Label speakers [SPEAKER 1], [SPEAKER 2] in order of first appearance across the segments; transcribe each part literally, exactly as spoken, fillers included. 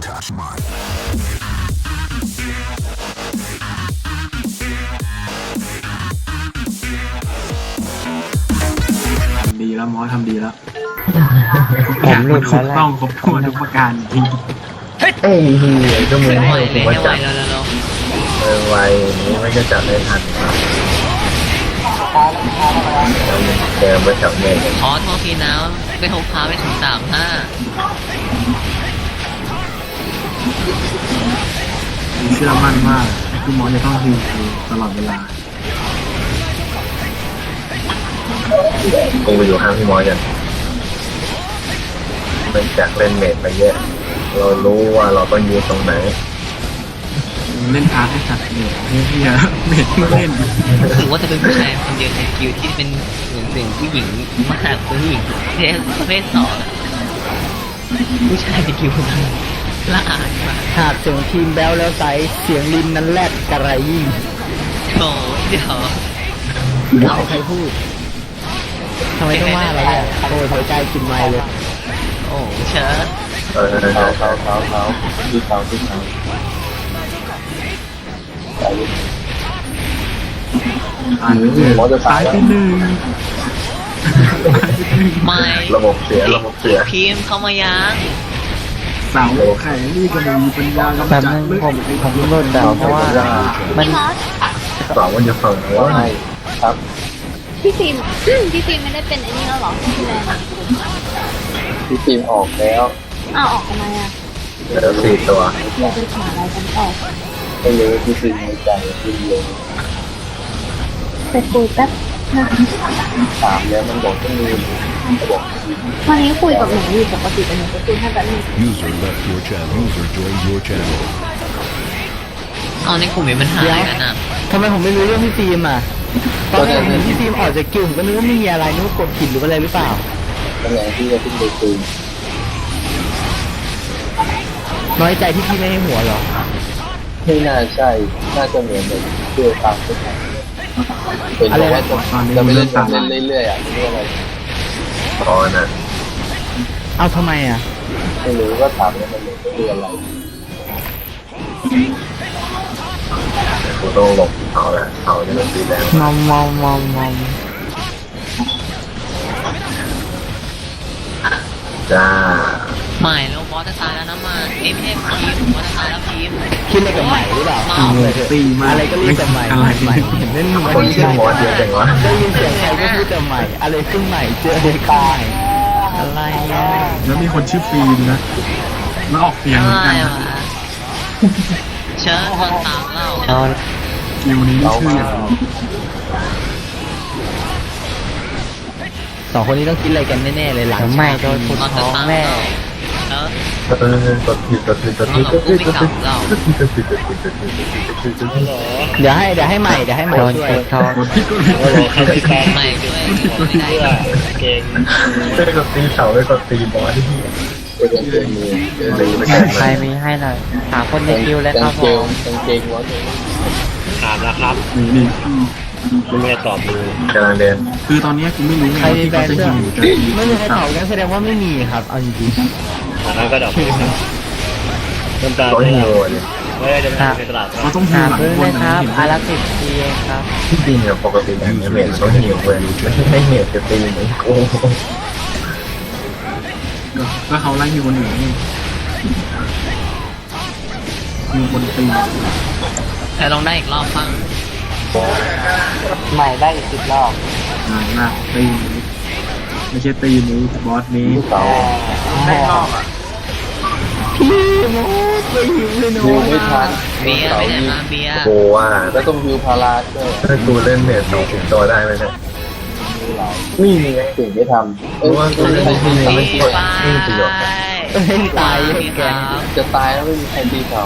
[SPEAKER 1] touch mine.
[SPEAKER 2] ทำดีแล้วมอสทำดีแล้ว
[SPEAKER 3] ผมหลุด
[SPEAKER 2] ถู
[SPEAKER 3] แล้ว
[SPEAKER 2] ก
[SPEAKER 3] แหละ
[SPEAKER 2] ต้องครบถ้วนทุกประการจริง
[SPEAKER 4] เอ้ยเฮียก็มึง
[SPEAKER 5] ไม่ไหว
[SPEAKER 4] ให้
[SPEAKER 5] เล
[SPEAKER 4] ผม
[SPEAKER 5] ย
[SPEAKER 4] ว่า
[SPEAKER 5] ไม่ไหว
[SPEAKER 4] จับ
[SPEAKER 5] แล้วแล้ว
[SPEAKER 4] เออไวนี้ไม่จะจับได้ทันเดินไปแถวเมฆ
[SPEAKER 5] ขอโทษทีนะไม่โทรพาไปถึงสามห้า
[SPEAKER 2] มีเชื่อมั่นว่าพี่มอสจะต้องฮิวตลอดเวลา
[SPEAKER 4] กูไปอยู่ข้างพี่มอสกันมันจากเล่นเมจไปเยอะเรารู้ว่าเราต้องยืนตรงไหน
[SPEAKER 2] เล่นพาร์ทให้สัตว์เนี่ยเฮียเม็ดเล่น
[SPEAKER 5] รู้สึกว่าจะเป็นผู้ชายคนเดียวในคิวที่เป็นเหมือนเป็นผู้หญิงมากเป็นผู้หญิงเพศประเภทสองผู้ชายในคิวคนนั้นละอายมาก
[SPEAKER 3] หากเสียงทีมแบลแล้วใสเสียงลินนั้นแลดกระไรยิ่ง
[SPEAKER 5] โอ้เดี๋ยว
[SPEAKER 3] เอาใครพูดทำไมต้องว่าเราเนี่ยโอ้ยหัวใจกินไม้เลย
[SPEAKER 5] โอ้เชิญ
[SPEAKER 4] เออเขาเขาเขาเขาที่เขาที่เขา
[SPEAKER 2] ตายไปหนึ่งตายไปหนึ่ง
[SPEAKER 5] ไม่
[SPEAKER 4] ระบบเสียระบบเสีย
[SPEAKER 5] พิมพ์เข้ามายัง
[SPEAKER 2] เสาไข่นี่ก็ไม่มีปัญญากำ
[SPEAKER 3] แป๊บ
[SPEAKER 2] จัด
[SPEAKER 3] นึง
[SPEAKER 2] เลย
[SPEAKER 3] ผมผมโดนด่าเพราะว่ามัน
[SPEAKER 4] สองมันจะฝั่งหัวให้ครับ
[SPEAKER 6] พี่ฟิล์ม พี่ฟิล์มไม่ได้เป็นไอ้นี่แล้วเหรอพี่แมน
[SPEAKER 4] พี่ทีมออกแล้ว
[SPEAKER 6] อ้าวออกทำไมอ่ะ
[SPEAKER 4] เหลือสี่ตัว
[SPEAKER 6] เราไปหาอะไรกันต่อ
[SPEAKER 4] ไม่รู้พี่ทีมในใจพี่เดียว
[SPEAKER 6] ไปคุยแป๊บนะ
[SPEAKER 4] สามแล้วมันบอกต้องมีบอก
[SPEAKER 6] วันนี้คุยกับหนูอยู่ปกติแต่หนูจะคุยแค่แบบนี้
[SPEAKER 1] User left your channel. User joined your channel.
[SPEAKER 5] เอาในกลุ่มมีปัญหาอะไรกันอ่ะ
[SPEAKER 3] ทำไมผมไม่รู้เรื่องพี่ฟิล์มอ่ะตอนแรกเห็นพี่ฟิล์มออกจากกิวผมก็นึกว่าไม่มีอะไรนึกว่ากดผิดหรืออะไรหรือเปล่า
[SPEAKER 4] ตำแหน่งที่จะขึ้นไปคืน
[SPEAKER 3] น้อยใจที่พี่ไม่ให้หัวเหรอ
[SPEAKER 4] ไม่น่าใช่ น่าจะเหมือนแบบเพื่อตามขึ้นมาเป็นเพราะว่าจะจะไม่เล่นเล่นเรื่อยๆอ่ะไม่รู้อะไรอ๋อน่ะ
[SPEAKER 3] เอาทำไมอ่ะ
[SPEAKER 4] ไม่รู้ก็ถามแล้วมันคืออะไรกูต้องหลบเขาแหละเขาจะเป็นสีแดง
[SPEAKER 3] มอมมอมมอมมอม
[SPEAKER 4] จ้า
[SPEAKER 5] ไม่แล้วบอสจะตายแล้วนะมาเอ้ยไม่ใช่พิมพ์บอสจะตายแล้วพิมพ์
[SPEAKER 3] คิดอะไรกับใหม่หรือเปล่า
[SPEAKER 5] เมา
[SPEAKER 3] เลยเถอะ
[SPEAKER 2] ตีมา
[SPEAKER 3] อะไรก็เรียกแต่ใหม่
[SPEAKER 2] อะไร
[SPEAKER 3] ใหม่เห็นเล่นมัน
[SPEAKER 4] คนชื่อหมอเดียวจังวะ
[SPEAKER 3] ได้ยินเสียงใครก็พูดแต่ใหม่ อะไรขึ้นใหม่เจอเด็กใหม่อะไรอ่ะ
[SPEAKER 2] แล้วมีคนชื่อฟิล์มนะแล้วออกเสียงเหมือน
[SPEAKER 5] อะไร
[SPEAKER 2] กัน
[SPEAKER 5] วะเชิญคนตามเรา
[SPEAKER 3] เอา
[SPEAKER 2] คิวนี้ชื่ออย่าง
[SPEAKER 3] สองคนนี้ต้องคิดอะไรกันแน่ๆเลยหลังไม่โดนคน
[SPEAKER 5] เราจะ
[SPEAKER 3] ท้อง
[SPEAKER 5] ตาม
[SPEAKER 3] แม่
[SPEAKER 5] เราแล้ว
[SPEAKER 4] เออกดผิดกดผิดกดผิดกดผิดกดผิดกดผิดกดผิดกดผิดกดผิดกดผิดกดผิดกดผิด
[SPEAKER 3] เดี๋ยวให้เดี๋ยวให้ใหม่เดี๋ยวให้ใหม่ช่วย
[SPEAKER 2] กดที่กดผิด
[SPEAKER 5] ไม่ด้วยไม่ได้
[SPEAKER 4] เก่งไม่ได้กดตีเสาไม่กดตีบอสที่เป็นเกงมือตีไม่ได้
[SPEAKER 3] ใครมีให้หน่อยหาคนในคิวเลยครับผม
[SPEAKER 4] กางเกงวะ
[SPEAKER 7] ถามแล้วครับ
[SPEAKER 2] นี่นี่
[SPEAKER 7] ไม่ได้ตอบเลย
[SPEAKER 4] กำลังเดิน
[SPEAKER 2] คือตอนนี้กูไม่รู้ไง
[SPEAKER 3] ใคร
[SPEAKER 2] ว่า
[SPEAKER 3] มี
[SPEAKER 2] ที่
[SPEAKER 3] แบร
[SPEAKER 2] เขา
[SPEAKER 3] นด์
[SPEAKER 2] จะ
[SPEAKER 3] เสื้อ
[SPEAKER 2] ฮิวจะ
[SPEAKER 3] ไม่มีใครตอบกันแสดงว่าไม่มีครับเอาจริง
[SPEAKER 7] อันนั้นก็ดอกน้ำตา
[SPEAKER 4] ร้อย
[SPEAKER 7] ไม่
[SPEAKER 4] ฮิ
[SPEAKER 7] เอา
[SPEAKER 4] วเนี่ย
[SPEAKER 7] ไม่ได้จะไปตลาด
[SPEAKER 2] เขาต้องฮิวหลังบนนะเห็นไหม
[SPEAKER 3] ทีเองครับ
[SPEAKER 4] ที่จริงอะปกติแอนิเมะต้องฮิวเว้ยไม่ใช่ไม่ฮิวจะตีเหมือนกู
[SPEAKER 2] ก็เขาไล่ฮิวคนอื่นนี่ฮิวคนตี
[SPEAKER 5] แต่ลองได้อีกรอบบ้าง
[SPEAKER 3] ใหม่ได้อีกสิบรอบ
[SPEAKER 2] นานมากตีนี้ไม่ใช่ตีนี้บอสนี้
[SPEAKER 4] เสา
[SPEAKER 3] ได้รอบอ่ะพี่โมดไปหิวเลยโน้
[SPEAKER 4] ฮิวไม่ทัน
[SPEAKER 5] เบียร์ไปไหนมาเบียร์
[SPEAKER 4] กูว่าแล้วต้องฮิวพาราด้วยถ้ากูเล่นเมจสองสิบตัวได้ไหมเนี่ยนี่มีไงถึงจะทำเพราะว่ากูเล่นที่นี่ไม่ช่วยไม่มีประโยชน์
[SPEAKER 3] เล่นตายเลยแก
[SPEAKER 4] จะตายแล้วไม่มีใครตีเขา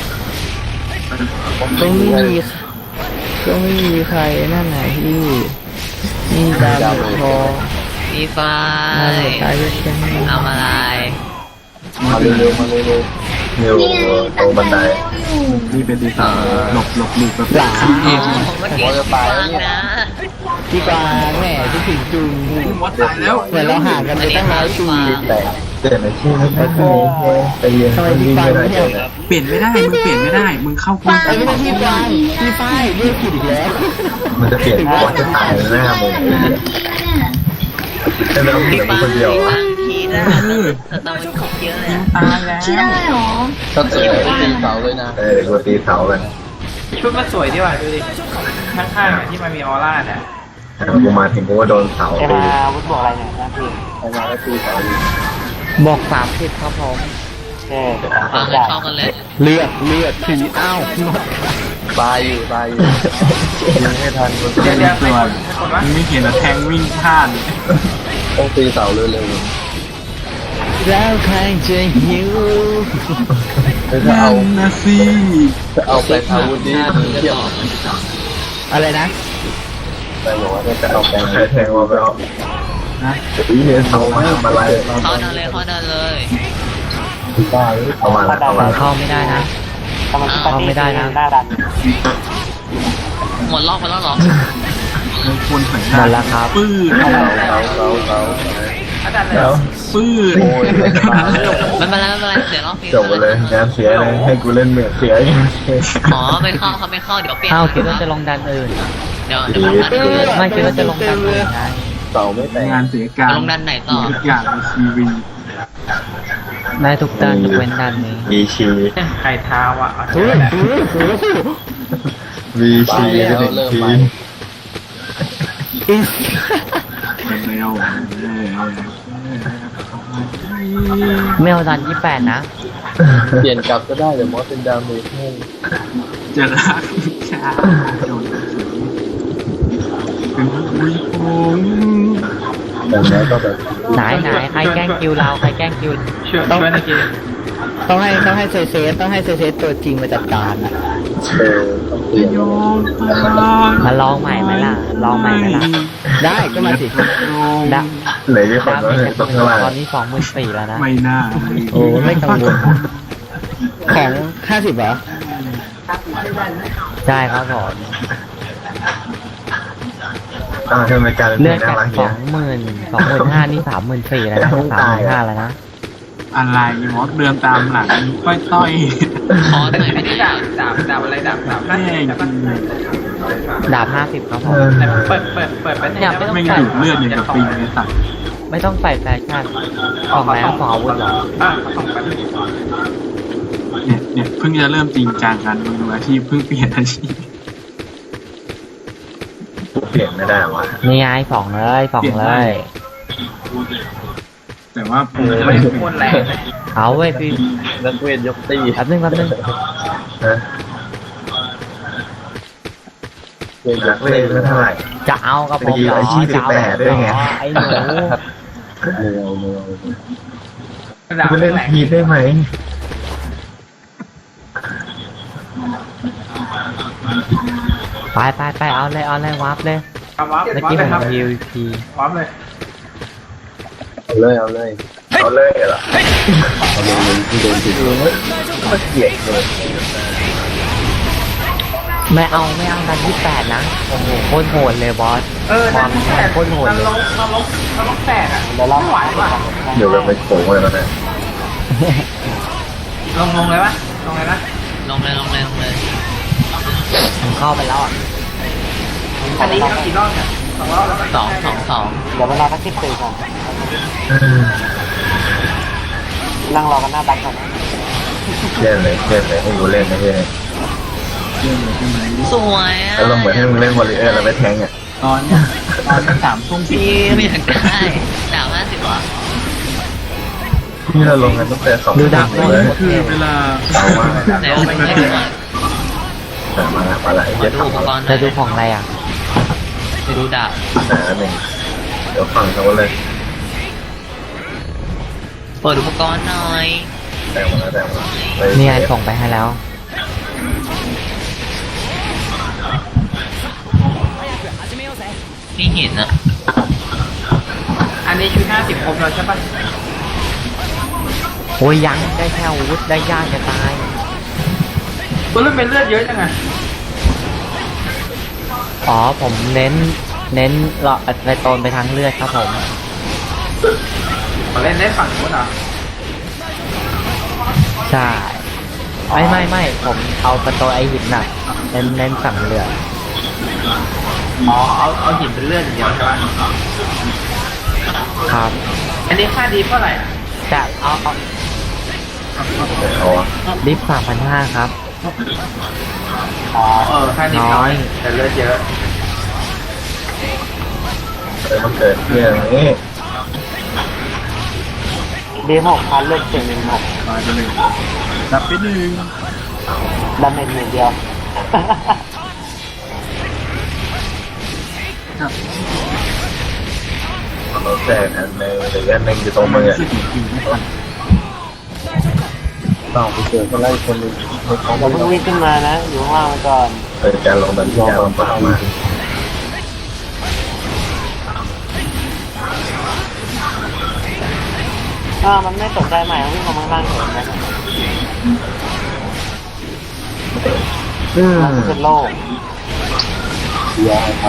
[SPEAKER 3] ก็ไม่มีก็ไม่มีใครนั่นไหนพี่นี่ดาวทอง
[SPEAKER 5] มีฟ้า
[SPEAKER 3] น่าจะตายด้วยกัน
[SPEAKER 5] ทำอะไร
[SPEAKER 4] มาเร็วๆมาเร็วๆเร็วตรงบันได
[SPEAKER 2] นี่เป็นดีไซน์หลบหลบหลีกแบบ
[SPEAKER 3] หลา
[SPEAKER 2] ซีเอ
[SPEAKER 5] อ๋อ
[SPEAKER 2] ฟ
[SPEAKER 5] เมื่อกี้ฟังนะ
[SPEAKER 3] พี่กวางแหม่พี่ถึงจุง
[SPEAKER 2] บอสตายแล้ว
[SPEAKER 3] เหมือนเราห่างกันไปตั้งหลายปี
[SPEAKER 4] แต่เจลี่ยนอาชีพไม่ได้ไปเรียนวิ่งไม่ได้เลยนะ
[SPEAKER 2] เปลี่ยนไม่ได้มึงเปลี่ยนไม่ได้มึงเข้าคุก
[SPEAKER 3] ไอ้ไม่ใช่พี่ไฟพี่ไฟเรียกผิดอีกแล้ว
[SPEAKER 4] มันจะเปลี่ยนว่าจะตายหน้ามึงแต่เราเปลี่ยนคนเดียว
[SPEAKER 5] บางทีนะแต่ตอนมันคุกเยอะเลยอะ
[SPEAKER 2] ตายแล้ว
[SPEAKER 6] ที่ได้หรอ
[SPEAKER 4] ถ้าเจอตีเสาเลยนะเออกูตีเสากัน
[SPEAKER 8] ชุดมันสวยดีว่ะดูดิข้างๆอะที่มันมีออร่าเนี่ย
[SPEAKER 4] กูมาถึงกูก็โดนเสา
[SPEAKER 8] เอ
[SPEAKER 4] ตี
[SPEAKER 8] มาวุฒิบอกอะไรเนี่ยนะพี่
[SPEAKER 4] ไอ้มาแล้วตีเสา
[SPEAKER 3] บอกสามสิบครับผม
[SPEAKER 8] เออ
[SPEAKER 5] เอาเงินเข้ากันเลย
[SPEAKER 3] เลือดเลือดผีอ้าวหมด
[SPEAKER 4] ตายอยู่ตายอยู่ยังไม่ทันกู
[SPEAKER 8] เดี๋ยวเดี๋ยวให้คนให้คนวะ
[SPEAKER 2] มึงไม่เห็นอะแทงวิ่งพลาด
[SPEAKER 4] ต้องตีเสาเร็ว
[SPEAKER 3] แล้วใครจะหิว
[SPEAKER 4] ๆถ้าเอา
[SPEAKER 2] นะสิ
[SPEAKER 4] ถ้าเอาแปลงอาวุธนี้เทียบ
[SPEAKER 3] อะไรนะ
[SPEAKER 4] แต่บอกว่าจะเอาแปลงแทงมาไปเอา
[SPEAKER 2] นะ
[SPEAKER 4] ตีเนี่ยเสามาทำอะไร
[SPEAKER 5] เข้าเดินเลยเข้าเดินเลย
[SPEAKER 4] บ้าเอามาแล้วเอามา
[SPEAKER 3] เข้าไม่ได้นะ
[SPEAKER 8] ทำไมที่
[SPEAKER 3] เข้าไม่ได้นะ
[SPEAKER 8] หน้าดัน
[SPEAKER 5] หมดรอบไปแล้วเหรอ
[SPEAKER 2] มึงควรใส่
[SPEAKER 3] หมดแล้วครับ
[SPEAKER 2] ปื้ด
[SPEAKER 4] เสาเสาเสาเสา
[SPEAKER 8] หน้าดันเลย
[SPEAKER 4] แล้ว
[SPEAKER 2] ปื้ด
[SPEAKER 4] โอ้ยตายแล้ว
[SPEAKER 5] ไม่เป็นไรไม่เป็นไรเสียรอบฟรี
[SPEAKER 4] จบไปเลยงานเสียเลยให้กูเล่นเหมือนเสียอย่าง
[SPEAKER 5] อ๋อไม่เข้าเขาไม่เข้าเดี๋ยวเปลี่ยน
[SPEAKER 3] อ้าวคิดว่าจะลงดันอื่น
[SPEAKER 5] เดี๋ยวเดี๋ยวมันดันอื่น
[SPEAKER 3] ไม่คิดว่าจะลงดันอื่นนะ
[SPEAKER 4] เสาไม่แตก
[SPEAKER 2] งานเสียการ
[SPEAKER 5] ลงดันไหนต่อ
[SPEAKER 2] ทุกอย่างในชีวิต
[SPEAKER 3] ได้ทุกดันยกเว้นดันนี้
[SPEAKER 4] มีชี
[SPEAKER 8] ไข่เท้าอ่ะเอา
[SPEAKER 3] อุ้ย
[SPEAKER 8] แหละ
[SPEAKER 4] มีชีแล้วเริ่มไป
[SPEAKER 2] มันไม่เอา
[SPEAKER 3] ไม่เอาดันยี่แปดนะ
[SPEAKER 4] เปลี่ยนกลับก็ได้เดี๋ยวมอสเป็นดาเมจให้
[SPEAKER 2] จะรักชาโดนเป็นผู้หญิง
[SPEAKER 4] แต่แล้วก็แบบ
[SPEAKER 3] ไหนไหนใครแกล้งคิวเราใครแกล้งคิว
[SPEAKER 8] ช่วยช่วยในเกม
[SPEAKER 3] ต้องให้ต้องให้เซเซต้องให้เซเซตัวจริงมาจัดการอะ
[SPEAKER 4] เออต้องเปลี่ยน
[SPEAKER 2] โยนตา
[SPEAKER 3] มาลองใหม่ไหมล่ะลองใหม่ไหมล่ะได้ก็มาสิดะ
[SPEAKER 4] เหลือที่คน
[SPEAKER 3] ดา
[SPEAKER 4] ก็
[SPEAKER 3] เม
[SPEAKER 4] เลย
[SPEAKER 3] จ
[SPEAKER 4] ต้องข้างล่าง
[SPEAKER 3] ตอนนี้สองหมื่นสี่แล้วนะ
[SPEAKER 2] ไม่น่า
[SPEAKER 3] โอ้ไม่กังวลของห้าสิบเหรอใช่ครับผม
[SPEAKER 4] อ่าทำไมการ
[SPEAKER 3] เลื่อน
[SPEAKER 4] น่า
[SPEAKER 3] จาก
[SPEAKER 4] รัก
[SPEAKER 3] ส
[SPEAKER 4] เนี่
[SPEAKER 3] อย งหมื่นสองหมื่นห้านี่สามหมื่นสี่แล้วนะสามหมื่นห้าแล้วนะ
[SPEAKER 2] อะไรมอสเดินตามหลังค่อยต้อย
[SPEAKER 5] ขอหน่อยไม่
[SPEAKER 8] ไม่
[SPEAKER 5] ได้
[SPEAKER 8] ได้ดาบดาบดาบอะไรดาบดาบนั่น
[SPEAKER 2] แม่ง
[SPEAKER 8] ใช่ปะ
[SPEAKER 3] ดาบห้าสิบครับผม
[SPEAKER 8] แต่เปิดเปิดเปิดไป
[SPEAKER 3] เนี่ยไม่ต้อง
[SPEAKER 2] ไม่งดูดเลือดอย่างกับปิงเลยสัตว์
[SPEAKER 3] ไม่ต้องใส่แฟชั่นของแล้วของอาวุธเหรอ
[SPEAKER 8] อ่ะเขาส่งไป
[SPEAKER 2] เนี่ยเนี่ยเพิ่งจะเริ่มจริงจังกันมืออาชีพเพิ่งเปลี่ยนอาชีพ
[SPEAKER 4] เปลี่ยนไม่ได้วะ
[SPEAKER 3] นี่ไงสองเลยสองเลย
[SPEAKER 2] แต่ว่าผม
[SPEAKER 8] ไม่
[SPEAKER 2] ไม่
[SPEAKER 8] โคตรแรงเลย
[SPEAKER 3] เอาเว้ยพี่
[SPEAKER 4] นักเวทยกตี
[SPEAKER 3] แป๊บนึงแป๊บนึง
[SPEAKER 4] ฮะเวทยกเวทไม่เท่าไหร่
[SPEAKER 3] จะเอากับผมเหรอ
[SPEAKER 4] ไปยืนอาชีพ
[SPEAKER 3] จะเอา
[SPEAKER 4] สิบแปดด้วยไง
[SPEAKER 3] เหรอไอ้หนู
[SPEAKER 4] เร็วเร็ว
[SPEAKER 8] ดาบ
[SPEAKER 4] คุณเล่น
[SPEAKER 8] แรง
[SPEAKER 4] พีได้ไหม
[SPEAKER 3] ไปไปไปเอาเลยเอาเลยวับเลย
[SPEAKER 8] เอาวับ
[SPEAKER 3] เมื่อ
[SPEAKER 8] วับ
[SPEAKER 3] กี้
[SPEAKER 8] เล
[SPEAKER 3] ผ
[SPEAKER 8] ย
[SPEAKER 3] ม
[SPEAKER 8] ครับ
[SPEAKER 3] ฮิวพี
[SPEAKER 8] วับเลย
[SPEAKER 4] เอาเลยเอาเลยเอาเลยเหรอเอาเลยเลยที่โดนติดเลยก็เกลียดเลย
[SPEAKER 3] ไม่เอาไม่เอาดันที่แปดนะโอ้โหโคตรโหดเลยบอส
[SPEAKER 8] เออ
[SPEAKER 3] ควา
[SPEAKER 8] นั่
[SPEAKER 3] ม
[SPEAKER 8] น
[SPEAKER 3] แรงโคตรโหด
[SPEAKER 8] มัน
[SPEAKER 3] เลย
[SPEAKER 8] ลงมันลงมันลงแตกอ่ะไม่ไหวว่ะ
[SPEAKER 4] เดี๋ยวแบบไปโผล่อะไรมาเนี่ย
[SPEAKER 8] ลงลงเลยปะลงเลยนะ
[SPEAKER 5] ลงเลยลงเลยลงเลย
[SPEAKER 3] ผมเข้าไปแล้วอ่ะ
[SPEAKER 8] อันนี้เอากี่รอบเนี่ยสองรอบแล้วปะ
[SPEAKER 5] สองสองสอง
[SPEAKER 8] เดี๋ยวเวลาสักสิบสี่ก่อนนั่งรอกันหน้าบัสก่อน
[SPEAKER 4] เล่นเลยเล่นเลยให้กูเล่นนะเพื่อน
[SPEAKER 5] สวยอ่ะ
[SPEAKER 4] แล้วเราเหมือนให้มึงเล่นวอลเลย์แล้วไปแทงอ่ะ
[SPEAKER 2] ตอนตอนสามทุ่มสิบ
[SPEAKER 5] พี่ไม่อยากได้ดาวห้าสิบวะ
[SPEAKER 4] ที่เราลงกันตั้งแต่สอง
[SPEAKER 3] ดูดัก
[SPEAKER 4] เล
[SPEAKER 3] เลย ย
[SPEAKER 2] คือเวลา
[SPEAKER 4] เอาว่า
[SPEAKER 5] ไหนเอาไปให้ดูหน่อย
[SPEAKER 4] แต่มาละมาละ
[SPEAKER 5] ขอ
[SPEAKER 4] จะ
[SPEAKER 5] ดูอุป
[SPEAKER 4] ทำ
[SPEAKER 5] กรณ์หน่
[SPEAKER 3] จะ
[SPEAKER 5] อย
[SPEAKER 3] ดูของอะไรอ่ะ
[SPEAKER 5] จะดูดาบ
[SPEAKER 4] แต่หนึ่งเดี๋ยวฟังเขาเลย
[SPEAKER 5] เปิดอุปกรณ์หน่อย
[SPEAKER 4] แต่มาแล้วแต่มา
[SPEAKER 3] นี่ไงส่งไปให้แล้ว
[SPEAKER 5] พี่เห็นอะ
[SPEAKER 8] อันนี้ชุดห้าสิบครบแล้วใช่ปะ
[SPEAKER 3] โอ้ยยังได้แค่อาวุธได้ยากจะตาย
[SPEAKER 8] ตัวเลือดเป็นเลือดเยอะจังไง
[SPEAKER 3] อ๋อผมเน้นเน้นเลาะไปโตนไปทางเลือดครับผม
[SPEAKER 8] ขอเล่นได้ฝั่งนู้นเหรอ
[SPEAKER 3] ใช่ไม่ไม่ไม่ผมเอาประตูไอหินน่ะเน้นเน้นสั่งเรือ
[SPEAKER 8] อ๋อเอาเอาหินเป็นเลื่อนอย่างเดียวใช่ไหม
[SPEAKER 3] ครับ
[SPEAKER 8] อันนี้ค่าดีเท่าไหร่อะ
[SPEAKER 3] จะเอาเอา
[SPEAKER 4] อ๋อ
[SPEAKER 3] ลิฟต์สามพันห้าครับ
[SPEAKER 8] อ๋อเออค่าดีน้อยแต่เลือดเยอะ
[SPEAKER 4] เลยมันเกิดเรื่องนี้
[SPEAKER 3] ดีหกพันเลือกเจ็ดหนึ่งหก
[SPEAKER 2] มาไปหนึ่งดับไปหนึ่ง
[SPEAKER 3] ดาเมจหนึ่งเดียว
[SPEAKER 2] ครับ
[SPEAKER 4] เราแจกอันหนึงหรืออันหนึงอยู่ตรงมือ
[SPEAKER 2] รู้สึกถึงกินไม่ทัน
[SPEAKER 4] ต้องไปเจอคนไล่คนหนึงในท้อง
[SPEAKER 3] เราเพิ่งวิ่งขึ้นมานะ อยู่ข้างล่างก่อน
[SPEAKER 4] เกิดการลงดันที่ยาวลำบากมาก
[SPEAKER 3] อ่ามันไม่ตกใจใหม่วิ่งมาข้างล่างเห็นไหม
[SPEAKER 4] อืม
[SPEAKER 3] เป็นโลก
[SPEAKER 4] ยาวไป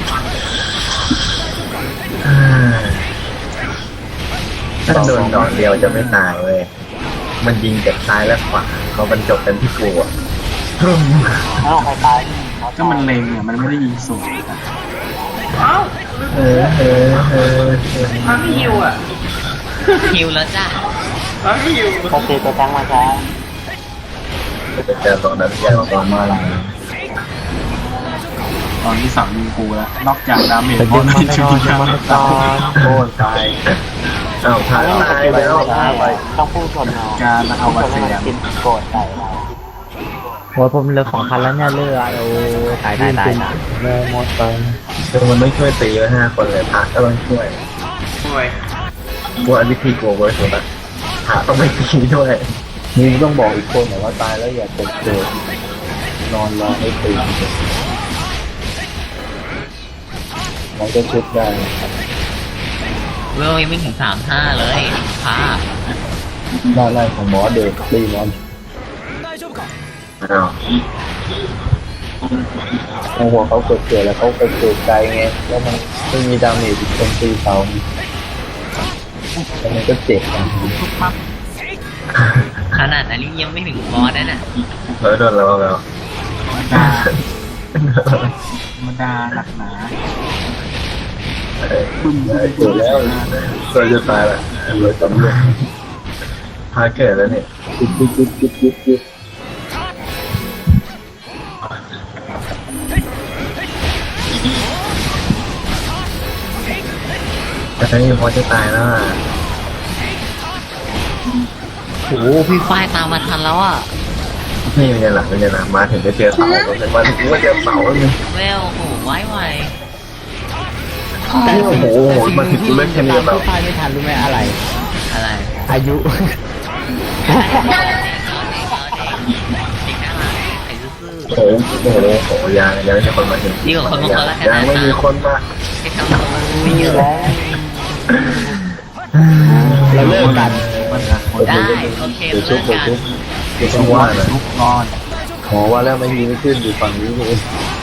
[SPEAKER 4] ถ้าโดนดอกเดียวจะไม่ตายเว้ยมันยิงจากซ้ายและขวาเขาบรรจบกันที่กูอ่ะ
[SPEAKER 3] แล้วใครตาย
[SPEAKER 2] ก็มันเล็งเนี่ยมันไม่ได้ยิงสูงนะ
[SPEAKER 8] เอ้า
[SPEAKER 4] เออเออเออ
[SPEAKER 8] มันไม่ฮิวอ่ะ
[SPEAKER 5] ฮิวแล้วจ้า
[SPEAKER 8] มันไม่ฮิว
[SPEAKER 3] ปกติตัวตั้งมาช้า
[SPEAKER 4] จะเจอตรงนั้นยาวประมาณ
[SPEAKER 2] ตอนที่สามยิงกูแล้วนอกจากดาเมจ
[SPEAKER 3] เป็น
[SPEAKER 2] บอ
[SPEAKER 3] เดือน
[SPEAKER 2] ล
[SPEAKER 3] มา
[SPEAKER 2] ที่ชุด
[SPEAKER 3] ตอน
[SPEAKER 2] ยา
[SPEAKER 3] มาตอน
[SPEAKER 4] โค่นตายอ้าวทายตายแล้วตายไป
[SPEAKER 3] ต้องพุ่งชนเอา
[SPEAKER 2] การเอาวัตเซียน
[SPEAKER 3] กินโกรธใส่เราโอ้ยผมเลือกของคันแล้วเนี่ยเลือกโอ้ตายตายตายตาย
[SPEAKER 4] แม่มดไปคือมันไม่ช่วยตีไว้ห้าคนเลยพระก็ต้องช่วย
[SPEAKER 8] ช่วย
[SPEAKER 4] พวกอวิธีโกงไว้สุดละพระต้องไม่ตีด้วยมึงต้องบอกอีกคนหน่อยว่าตายแล้วอย่าตกเกิดนอนรอให้ตีมันก็ชุดได้
[SPEAKER 5] เวลยังไม่ถึงสามห้าเลยพา
[SPEAKER 4] หน้าไล่ของหมอเด็กตีนอนอ้าวโอ้โหเขาเกิดเกิดแล้วเขาเกิดเกิดไกลไงแล้วมันไม่มีดาเมจอีกคนตีเสาแล้วมันก็เจ็บอ่ะ
[SPEAKER 5] ขนาดอันนี้ยังไม่ถึงบอสนั่นน่ะ
[SPEAKER 4] เออโดนแล้วแล้ว
[SPEAKER 2] ธรรมดาธรรมดาหนักหนา
[SPEAKER 4] บึ้มเกิดแล้วเราจะตายละเราจำเลยพาเกิดแล้วเนี่ยจุดจุดจุดจุดจุดจุดแต่ตอนนี้พอจะตายแล้วอ่ะ
[SPEAKER 5] โอ้โหพี่ฝ้ายตามมาทันแล้วอ่ะ
[SPEAKER 4] นี่มันจะหลังมันจะหลังมาถึงจะเจอเสาผมเป็นวันที่ว่าเจอเสาเลย
[SPEAKER 5] เวลโอ้โหไว้ไว
[SPEAKER 4] โอ้โหมาถึงเล่นแค่นี้แล้ว
[SPEAKER 3] ตายไม่ทันรู้ไหมอะไร
[SPEAKER 5] อะไร
[SPEAKER 3] อายุ
[SPEAKER 5] เด็กน่ารักไอ้ซื่อ
[SPEAKER 4] โอ้โหโอ้โหโอ้โหยังยังไม่มีคนมาถึง
[SPEAKER 5] ดีกว่าคนบางคนละกัน
[SPEAKER 4] ยังไม่มีคนมา
[SPEAKER 5] ๆให้ทำตัว
[SPEAKER 3] มีอยู่แล้ว เราเลิกกัน
[SPEAKER 2] ปัญหาคน
[SPEAKER 5] ได้โอเคเลิกกัน
[SPEAKER 4] เดี๋ยวต้องว่านะ
[SPEAKER 2] ทุกนอน
[SPEAKER 4] ขอว่าแล้วไม่มีไม่ขึ้นอยู่ฝั่งนี้นี่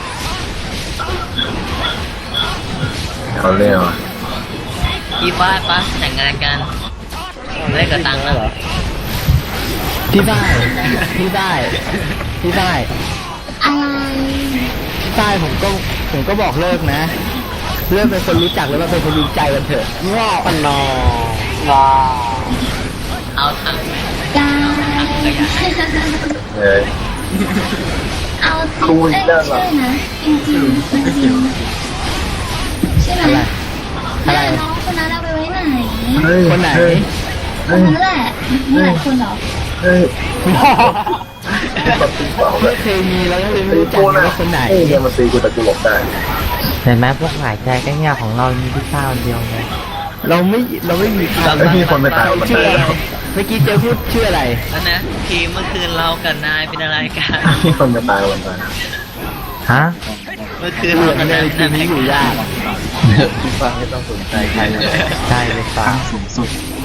[SPEAKER 4] เอาเรื่องอ่ะ
[SPEAKER 5] พี่ฝ้ายป้าแต่งงานกันเล่นกับตังค์แล้วเหรอ
[SPEAKER 3] พี่ได้พี่ได้พี่ได้
[SPEAKER 6] อะไร
[SPEAKER 3] พี่ได้ผมก็ผมก็บอกเลิกนะ เลิกเป็นคนรู้จักแล้วว่าเป็นคนรู้ใจกันเถอะงอปนองอ
[SPEAKER 5] เอาถังไหม
[SPEAKER 6] ได้
[SPEAKER 4] เลย
[SPEAKER 6] เอาจริงเอ้ยไม่ใช่นะจริงๆจริงๆใช่ไหม
[SPEAKER 3] อะไร
[SPEAKER 6] แล้วน้องคนนั้นเอาไปไว้ไหน
[SPEAKER 4] เฮ้ย
[SPEAKER 3] คนไหน
[SPEAKER 6] คนนั้นแหละมีหลายคนเหรอ
[SPEAKER 4] เฮ้ยตีเปล่าเล
[SPEAKER 3] ไม่
[SPEAKER 4] ย
[SPEAKER 3] เคยมีแล้วก็เลยไม่รู้จักเลยว่าคนไหน
[SPEAKER 4] เฮ้ยเนี่ยมันตีกูแต่กูหลบได้
[SPEAKER 3] เห็นไหมพวกหลายใจก็เงียบของเรามีพี่ข้าวเดียวไงเราไม่เราไม่มีใคร
[SPEAKER 4] แล้วมีคนไปตายมัน
[SPEAKER 3] ชื่อ
[SPEAKER 4] ได้
[SPEAKER 3] อะไรเมื่อกี้เจอพูดชื่ออะไร
[SPEAKER 5] แล้วนะทีมเมื่อคืนเรากับนายเป็นอะไรกัน
[SPEAKER 4] มีคนไปตายมันไป
[SPEAKER 3] ฮะ
[SPEAKER 5] เมื่อคืน
[SPEAKER 3] เรื่
[SPEAKER 5] เรา
[SPEAKER 3] อง
[SPEAKER 5] กับ
[SPEAKER 3] ใน
[SPEAKER 5] นาย
[SPEAKER 3] ทีนี้อยู่ยาก
[SPEAKER 4] พี่ฟังไม่ต้องสนใจใครเลย
[SPEAKER 3] ใช่เลยฟ้า
[SPEAKER 2] ตั้งสูงสุด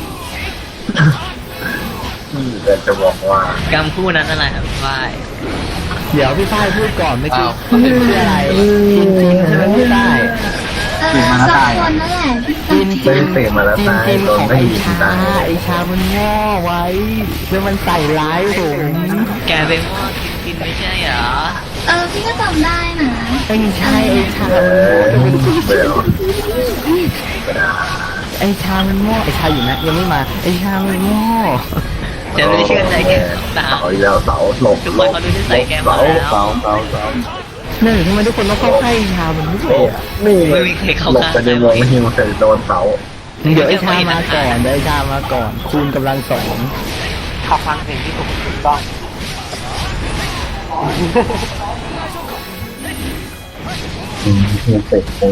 [SPEAKER 4] แต่จะบอกว่าก
[SPEAKER 5] รรมคู่นั้นอะไรครับพี่ฝ้าย
[SPEAKER 3] เดี๋ยวพี่ฝ้ายพูดก่อนเมื่อกี้ชื่ออะไรจริงๆใช่ไหมพี่ฝ้าย
[SPEAKER 6] เออสองคนนั่นแหละที่
[SPEAKER 3] จิ
[SPEAKER 6] ตั้
[SPEAKER 3] น
[SPEAKER 6] ง
[SPEAKER 3] จิ
[SPEAKER 6] ใจ
[SPEAKER 3] นจินจินของไอชาไอชามันง่อไว้แล้วมันใส่ร้ายผม
[SPEAKER 5] แกเป็นหม้อกินกินไม่ใช่เหรอ
[SPEAKER 6] เออพี่ก็จำได้นะ
[SPEAKER 3] ไม่ใช่ไอชา
[SPEAKER 4] เออเบล
[SPEAKER 3] ไอชามันง่อไอชาอยู่นะยังไม่มาไอชามันง่อ
[SPEAKER 5] จะไม่ได้เชื่อใจแกตาม
[SPEAKER 4] เสาอีกแล้วเสาหลบ
[SPEAKER 5] ทุก
[SPEAKER 4] ห
[SPEAKER 5] ค
[SPEAKER 4] ล
[SPEAKER 5] น
[SPEAKER 4] บ
[SPEAKER 5] เขาดูนิสัยแกหม
[SPEAKER 4] เสา
[SPEAKER 5] ดแล้ว
[SPEAKER 4] เสาเสาเสา
[SPEAKER 3] นั่นทำไมทุกคนต้องเข้าใกล้ไอชามันด้วยอ่ะ
[SPEAKER 4] นี่
[SPEAKER 5] ไม่มีใครเข้า
[SPEAKER 4] หลบ
[SPEAKER 5] ข้าง
[SPEAKER 4] ไปในวงไม่ยิงเคยโดนเสา
[SPEAKER 3] เดี๋ยวไอชามาก่อนเดี๋ยวไอชามาก่อนคูณกำลังสอง
[SPEAKER 8] ขับฟังเพลงที่ถูกถูกต้อง
[SPEAKER 4] อืมเสร็จคง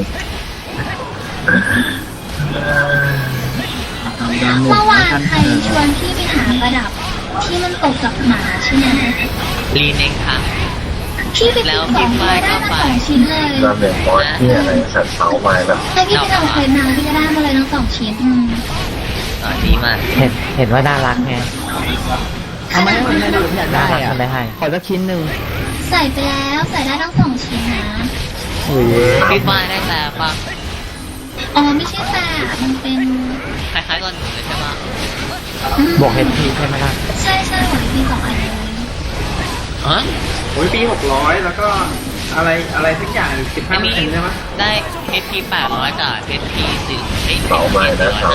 [SPEAKER 6] เมื่อวานใครชวนพี่ไปหาประดับ ที่มันตกกับหมาใช่ไหม
[SPEAKER 5] รีเน็กค่ะ
[SPEAKER 6] พี่ไปติดสองตัวได้มาสองชิ้นเลย
[SPEAKER 4] น้ำเหลืองมอสที่อะไรสัตว์เสาไม้แบบ
[SPEAKER 6] ถ้าพี่ไปทำเควสมาพี่ก็ได้มาเลยทั้งสองชิ้นอืม
[SPEAKER 5] อ๋อดีมาก
[SPEAKER 3] เห็นเห็นว่าน่ารักไงทำไมมันไม่ได้อยากได้อ่ะขอสักชิ้นหนึ่ง
[SPEAKER 6] ใส่ไปแล้วใส่ได้ทั้งสองชิ้นนะ
[SPEAKER 3] โอ้ย
[SPEAKER 5] พี่ฝ้ายได้แต่ปะ
[SPEAKER 6] อ๋อไม่ใช่แต่มันเป็น
[SPEAKER 5] คล้ายๆตอนหนูเลยใช่ปะ
[SPEAKER 3] บวกเฮดพีใช่ไหมล่ะ
[SPEAKER 6] ใช่ใช่หัวพี่สองอันเลย
[SPEAKER 5] ฮะ
[SPEAKER 8] โอ้ยปีหกร้อยแล้วก็อะไรอะไรสักอย่างสิบห้า
[SPEAKER 5] ไม่
[SPEAKER 8] เปอร์
[SPEAKER 5] มี
[SPEAKER 8] เซ็นต์ใช่ไหม
[SPEAKER 5] ได้ เอส พี แปดร้อยกับ เอส พี สี่ไอ้
[SPEAKER 4] เสาไม้นะเสา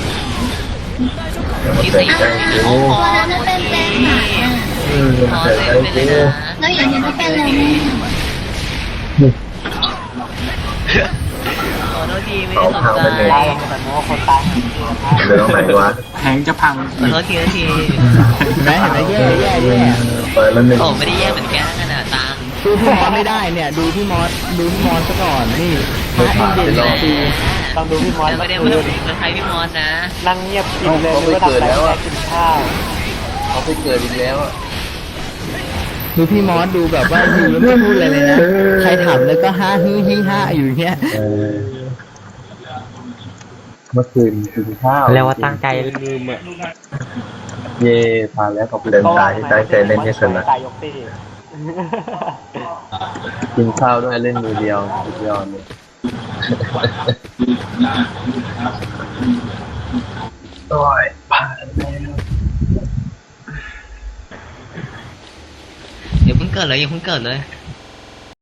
[SPEAKER 4] เดี๋ยวมันเสร็จได้จริง
[SPEAKER 5] โอ้โห
[SPEAKER 6] ตัวนั้นมันเป็นเป็นหมาอ่ะ
[SPEAKER 4] อืม
[SPEAKER 5] ขอ
[SPEAKER 4] เสร็จ
[SPEAKER 5] เซ็น
[SPEAKER 4] ได้
[SPEAKER 5] ไป
[SPEAKER 4] จ
[SPEAKER 5] เล
[SPEAKER 4] ริ
[SPEAKER 5] ย
[SPEAKER 4] ง
[SPEAKER 5] นะ
[SPEAKER 6] แล้วอย่างนี้ก็เป็นอะไรแน่
[SPEAKER 5] ขอโทษทีไม่ได้สนใจ
[SPEAKER 8] ได้แล้วแต่ว่าคนตาย
[SPEAKER 4] เดี๋ยวตรงไหนวะ
[SPEAKER 2] แทงจะพัง
[SPEAKER 5] ขอโทษทีนะที
[SPEAKER 3] เห็นไหมเห็นไหมแย่แย่แย่
[SPEAKER 4] เปิดแล้วหนึ่ง
[SPEAKER 5] โอ้ไม่ได้แย่เหมือนแกขนาดตัง
[SPEAKER 3] ดูพี่มอสไม่ได้เนี่ย ดูพี่มอสดูพี่มอสซะก่อนนี่พระอินเดียนคือ
[SPEAKER 8] ต้องดูพี่มอส
[SPEAKER 5] ไม่ได้มาดูใครพี่มอสนะ
[SPEAKER 8] นั่งเงียบกินเลยไม่ทำอะไรแค่กินข้าว
[SPEAKER 4] เขาไปเกิดอีกแล้วอ่ะ
[SPEAKER 3] ดูพี่มอสดูแบบว่าอยู่แล้วไม่พูดอะไรเลยนะใครถามแล้วก็ฮ่าฮือฮิฮ่าอยู่อย่างเงี้ย
[SPEAKER 4] เออเมื่อคืนกินข้าว
[SPEAKER 3] แล้วว่าตั้งใจ
[SPEAKER 7] ลืมอ่ะ
[SPEAKER 4] เย่ผ่านแล้วขอบคุณเดินตายที่ตั้งใจเล่นให้สนุก
[SPEAKER 8] ตายยกตี
[SPEAKER 4] กินข้าวด้วยเล่นมือเดียวสุดยอดเลยโอ้ยผ่านแล้ว
[SPEAKER 5] เดี๋ยวเพิ่งเกิดเลยยังเพิ่งเกิดเลย